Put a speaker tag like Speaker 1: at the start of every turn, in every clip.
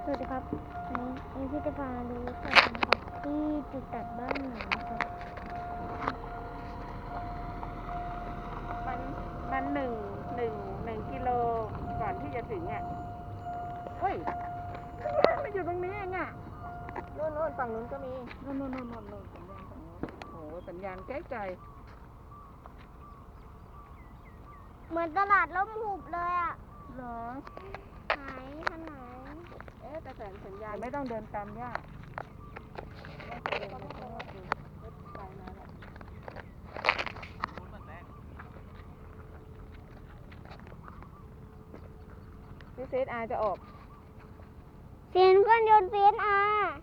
Speaker 1: สวัสดีครับวันนี้พี่จะพาดูสัตว์นะครับที่จุดตัดบ้านหนูนะครับ
Speaker 2: มันหนึ่งกิโลก่อนที่จะถึงอ่ะเฮ้ยมันอยู่ตรงนี้เองอ่ะโน่นฝั่งนู้นก็มีโน่นสัญญาณฝั่งนู้นโอ้โหสัญญาณไกล
Speaker 1: เหมือนตลาดล้มหุบเลยอ่ะ
Speaker 2: ๆเหรอ
Speaker 1: หายขนาด
Speaker 2: แต่สัญญาณไม่ต้องเดินตามย่าเดินไปข้างนอกดูรถไฟมาแล้วพี่เซตอาจะออก
Speaker 1: เสียงเครื่องยนต์CSR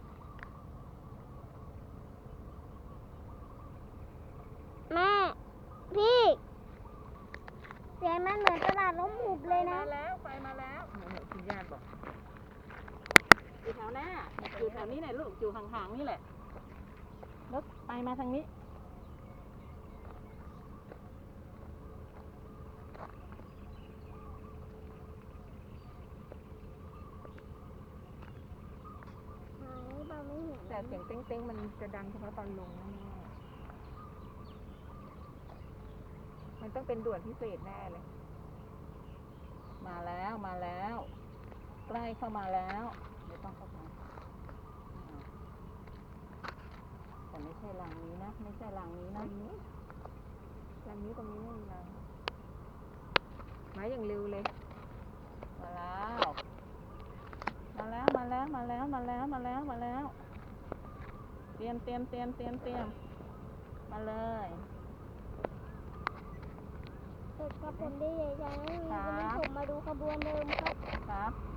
Speaker 1: แม่พี่เสียงมันเหมือนตลาดล้มหุบเลยนะ
Speaker 2: ไฟมาแล้วคุณญาติบอกอยู่แถวหน้าอยู่แถวนี้แหละลูกอยู่ห่างๆนี่แหละรถไปมาทางนี้
Speaker 1: หายเปล่าไม่เห็น
Speaker 2: แต่เสียงเต้งๆมันจะดังเฉพาะตอนลงแน่ๆมันต้องเป็นด่วนพิเศษแน่เลยมาแล้วใกล้เข้ามาแล้วไม่ต้องเข้าไปแต่ไม่ใช่หลังนี้นะไม่ใช่หลังนี้นะหลังนี้ตรงนี้ไม่มีหลังมาอย่างเร็วเลยมาแล้วเตรียมมาเลย
Speaker 1: เด็กกับผมได้ใหญ่ๆวันนี้ผมมาดูขบวนเดิมครับ